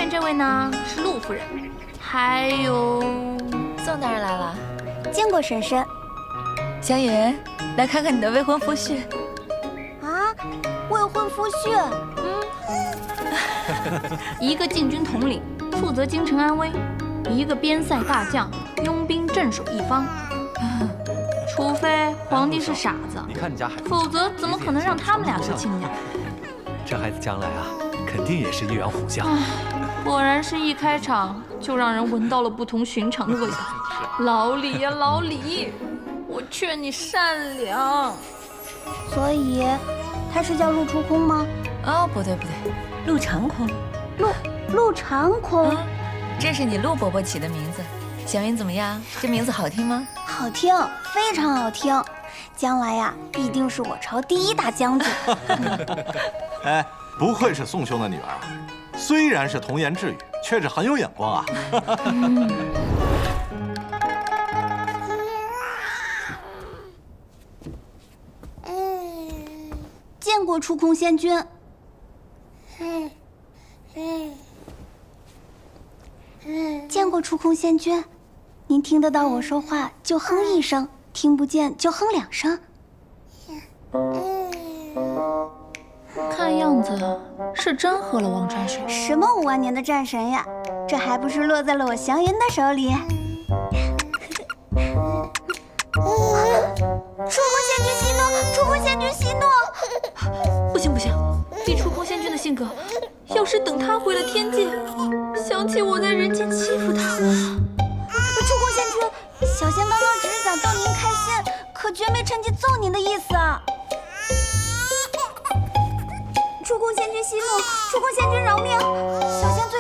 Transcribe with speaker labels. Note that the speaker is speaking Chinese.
Speaker 1: 边这位呢是陆夫人，还有
Speaker 2: 宋大人来了。
Speaker 3: 见过婶婶。
Speaker 2: 湘云，来看看你的未婚夫婿。
Speaker 3: 啊，未婚夫婿。
Speaker 1: 一个禁军统领，负责京城安危；一个边塞大将，拥兵镇守一方。除非皇帝是傻子，
Speaker 4: 你看你家孩子，
Speaker 1: 否则怎么可能让他们俩做亲家？
Speaker 4: 这孩子将来啊，肯定也是一员虎将。
Speaker 1: 果然是一开场就让人闻到了不同寻常的味道。老李呀，老李，我劝你善良。
Speaker 3: 所以，他是叫陆出空吗？
Speaker 2: 哦，不对不对，陆长空。
Speaker 3: 陆长空。
Speaker 2: 这是你陆伯伯起的名字。小云怎么样？这名字好听吗？
Speaker 3: 好听，非常好听。将来呀，必定是我朝第一大将军。
Speaker 5: 哎，不愧是宋兄的女儿啊！虽然是童言稚语，却是很有眼光啊。
Speaker 3: 见过出空仙君。见过出空仙君，您听得到我说话就哼一声，听不见就哼2声。
Speaker 1: 看样子是真喝了王川水。
Speaker 3: 什么5万年的战神呀，这还不是落在了我祥云的手里。出空仙君息怒！出空仙君息怒！
Speaker 1: 不行不行，以出空仙君的性格，要是等他回了天界，想起我在人间欺负他。
Speaker 3: 出空仙君，小仙刚刚只是想逗您开心，可绝没趁机揍您的意思啊！出空仙君息怒！出空仙君饶命！小仙